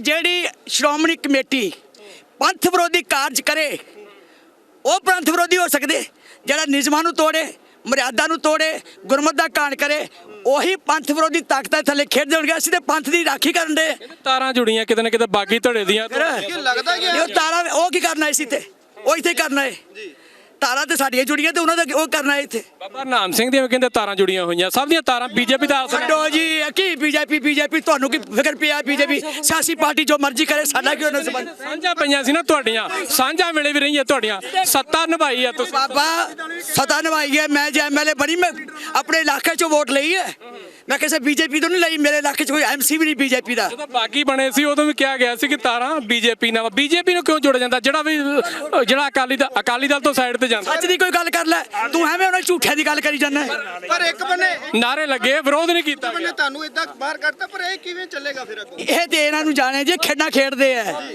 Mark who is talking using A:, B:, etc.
A: ਜਿਹੜੀ ਸ਼੍ਰੋਮਣੀ ਕਮੇਟੀ ਪੰਥ ਵਿਰੋਧੀ ਕਾਰਜ ਕਰੇ ਉਹ ਪੰਥ ਵਿਰੋਧੀ ਹੋ ਸਕਦੇ। ਜਿਹੜਾ ਨਿਯਮਾਂ ਨੂੰ ਤੋੜੇ, ਮਰਿਆਦਾ ਨੂੰ ਤੋੜੇ, ਗੁਰਮਤ ਦਾ ਕਾਣ ਕਰੇ, ਉਹੀ ਪੰਥ ਵਿਰੋਧੀ ਤਾਕਤਾਂ ਥੱਲੇ ਖੇਡਦੇ ਹੋਣਗੇ। ਅਸੀਂ ਤੇ ਪੰਥ ਦੀ ਰਾਖੀ ਕਰਨ ਦੇ।
B: ਤਾਰਾਂ ਜੁੜੀਆਂ ਕਿਤੇ ਨਾ ਕਿਤੇ ਬਾਗੀ ਧੜੇ ਦੀਆਂ।
C: ਲੱਗਦਾ ਕਿ
A: ਉਹ ਤਾਰਾ ਉਹ ਕੀ ਕਰਨਾ ਸੀ ਤੇ ਉਹ ਇੱਥੇ ਕਰਨਾ ਹੈ। ਤਾਰਾਂ ਤੇ ਸਾਡੀਆਂ ਜੁੜੀਆਂ ਤੇ ਉਹਨਾਂ ਦਾ ਉਹ ਕਰਨਾ ਹੈ ਇੱਥੇ।
B: ਬਾਬਾ ਨਾਮ ਸਿੰਘ ਦੀਆਂ ਕਹਿੰਦੇ ਤਾਰਾਂ ਜੁੜੀਆਂ ਹੋਈਆਂ, ਸਭ ਦੀਆਂ ਤਾਰਾਂ ਬੀਜੇਪੀ ਦਾ ਅਸਰ।
A: ਛੱਡੋ ਜੀ, ਕੀ ਬੀਜੇਪੀ ਤੁਹਾਨੂੰ ਕੀ ਫਿਕਰ ਪਿਆ? ਬੀਜੇਪੀ ਸਿਆਸੀ ਪਾਰਟੀ ਜੋ ਮਰਜ਼ੀ ਕਰੇ, ਸਾਡਾ ਕਿਉਂ ਨਾ ਸੰਬੰਧ?
B: ਸਾਂਝਾਂ ਪਈਆਂ ਸੀ ਨਾ ਤੁਹਾਡੀਆਂ, ਸਾਂਝਾਂ ਵੇਲੇ ਵੀ ਰਹੀਆਂ ਤੁਹਾਡੀਆਂ, ਸੱਤਾ ਨਿਭਾਈ ਆ ਤੁਸੀਂ।
A: ਬਾਬਾ ਸਤਾ ਨਿਭਾਈ ਹੈ। ਮੈਂ ਜੇ ਐਮਐਲਏ ਬਣੀ, ਮੈਂ ਆਪਣੇ ਇਲਾਕੇ 'ਚੋਂ ਵੋਟ ਲਈ ਹੈ। ਮੈਂ ਕਿਸੇ ਬੀਜੇਪੀ ਤੋਂ ਨਹੀਂ ਲਈ। ਮੇਰੇ ਇਲਾਕੇ 'ਚ ਕੋਈ ਐਮਸੀ ਵੀ ਨਹੀਂ ਬੀਜੇਪੀ ਦਾ।
B: ਜਦੋਂ ਬਾਗੀ ਬਣੇ ਸੀ ਉਦੋਂ ਵੀ ਕਿਹਾ ਗਿਆ ਸੀ ਕਿ ਤਾਰਾਂ ਬੀਜੇਪੀ ਨਾਲ। ਬੀਜੇਪੀ ਨੂੰ ਕਿਉਂ ਜੋੜਿਆ ਜਾਂਦਾ? ਜਿਹੜਾ ਅਕਾਲੀ ਦਲ ਤੋਂ ਸਾਈਡ ਤੇ ਜਾਂਦਾ।
A: ਸੱਚ ਦੀ ਕੋਈ ਗੱਲ ਕਰ ਲੈ ਤੂੰ, ਐਵੇਂ ਉਹਨਾਂ ਝੂਠਿਆਂ ਦੀ ਗੱਲ ਕਰੀ ਜਾਂਦਾ।
C: ਪਰ ਇੱਕ ਬੰਨੇ
B: ਨਾਰੇ ਲੱਗੇ, ਵਿਰੋਧ ਨਹੀਂ ਕੀਤਾ।
C: ਤੁਹਾਨੂੰ ਇਦਾਂ ਬਾਹਰ ਕੱਢਤਾ, ਪਰ ਇਹ ਕਿਵੇਂ ਚੱਲੇਗਾ ਫਿਰ ਅੱਗੋਂ?
A: ਇਹ ਤੇ ਇਹਨਾਂ ਨੂੰ ਜਾਣੇ ਜੇ ਖੇਡਾਂ ਖੇਡਦੇ ਆ।